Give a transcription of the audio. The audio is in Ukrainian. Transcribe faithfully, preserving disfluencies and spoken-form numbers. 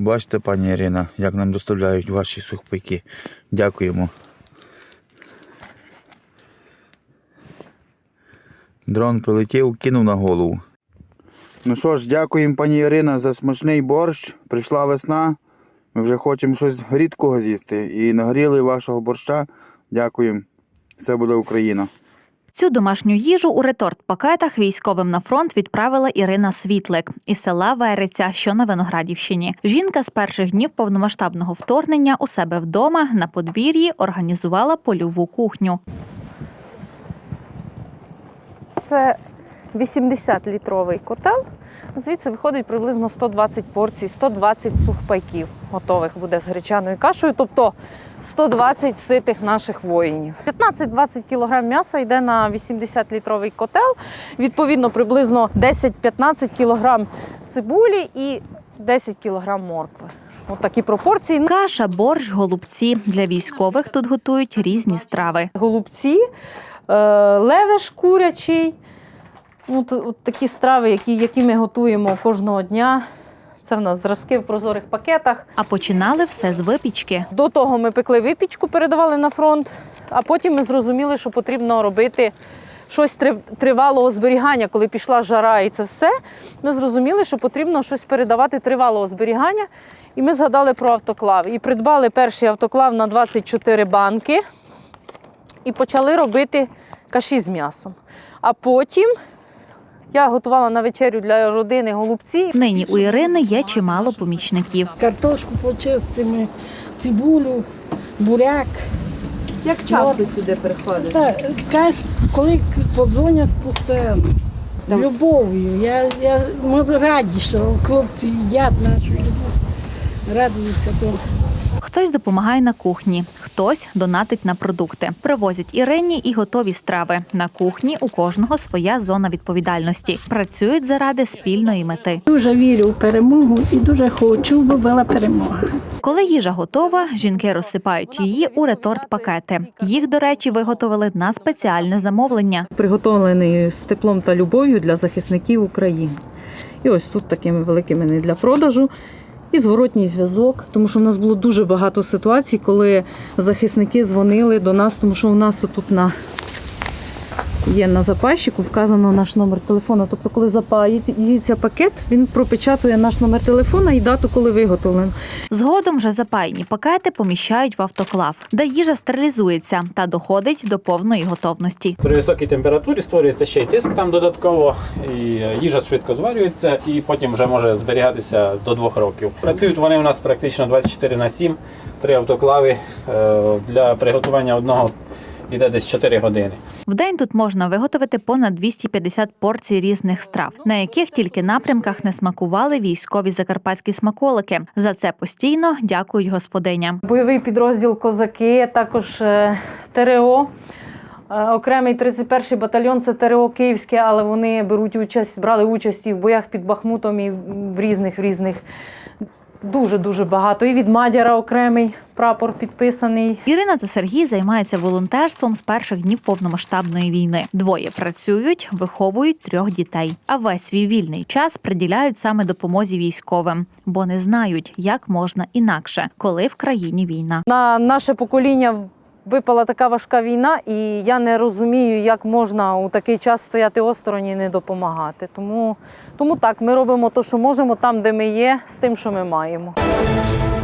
Бачите, пані Ірина, як нам доставляють ваші сухпайки. Дякуємо. Дрон прилетів, кинув на голову. Ну що ж, дякуємо, пані Ірина, за смачний борщ. Прийшла весна. Ми вже хочемо щось рідкого з'їсти. І нагріли вашого борща. Дякуємо. Все буде Україна. Цю домашню їжу у реторт-пакетах військовим на фронт відправила Ірина Світлик із села Вериця, що на Виноградівщині. Жінка з перших днів повномасштабного вторгнення у себе вдома на подвір'ї організувала польову кухню. Це вісімдесят-літровий котел. Звідси виходить приблизно сто двадцять порцій, сто двадцять сухпайків готових буде з гречаною кашею, тобто сто двадцять ситих наших воїнів. п'ятнадцять-двадцять кілограм м'яса йде на вісімдесят-літровий котел, відповідно приблизно десять-п'ятнадцять кілограм цибулі і десять кілограм моркви. Ось такі пропорції. Каша, борщ, голубці. Для військових тут готують різні страви. Голубці, левеш курячий. От, от такі страви, які, які ми готуємо кожного дня. Це в нас зразки в прозорих пакетах. А починали все з випічки. До того ми пекли випічку, передавали на фронт, а потім ми зрозуміли, що потрібно робити щось тривалого зберігання. Коли пішла жара і це все, ми зрозуміли, що потрібно щось передавати тривалого зберігання. І ми згадали про автоклав. І придбали перший автоклав на двадцять чотири банки і почали робити каші з м'ясом. А потім я готувала на вечерю для родини голубці. Нині у Ірини є чимало помічників. Картошку почистимо, цибулю, буряк. Як часто сюди приходите? Так, коли подзвонять постійно, з любов'ю. Я, я, ми раді, що хлопці їдять нашу любов, радуються тому. Хтось допомагає на кухні, хтось донатить на продукти. Привозять Ірині і готові страви. На кухні у кожного своя зона відповідальності. Працюють заради спільної мети. Дуже вірю в перемогу і дуже хочу, бо була перемога. Коли їжа готова, жінки розсипають її у реторт-пакети. Їх, до речі, виготовили на спеціальне замовлення. Приготовлений з теплом та любов'ю для захисників України. І ось тут такими великими не для продажу. І зворотній зв'язок, тому що в нас було дуже багато ситуацій, коли захисники дзвонили до нас, тому що у нас тут на є на запайщику вказано наш номер телефону. Тобто, коли запаїться пакет, він пропечатує наш номер телефона і дату, коли виготовлено. Згодом вже запаяні пакети поміщають в автоклав, де їжа стерилізується та доходить до повної готовності. При високій температурі створюється ще й тиск там додатково, і їжа швидко зварюється і потім вже може зберігатися до двох років. Працюють вони у нас практично двадцять чотири на сім, три автоклави. Для приготування одного йде десь чотири години. В день тут можна виготовити понад двісті п'ятдесят порцій різних страв, на яких тільки напрямках не смакували військові закарпатські смаколики. За це постійно дякують господиням. Бойовий підрозділ «Козаки», також ТРО. Окремий тридцять перший батальйон – це ТРО Київське, але вони беруть участь, брали участь і в боях під Бахмутом, і в різних, в різних. Дуже-дуже багато. І від Мадяра окремий прапор підписаний. Ірина та Сергій займаються волонтерством з перших днів повномасштабної війни. Двоє працюють, виховують трьох дітей. А весь свій вільний час приділяють саме допомозі військовим, бо не знають, як можна інакше, коли в країні війна. На наше покоління випала така важка війна, і я не розумію, як можна у такий час стояти осторонь і не допомагати. Тому, тому так, ми робимо те, що можемо там, де ми є, з тим, що ми маємо.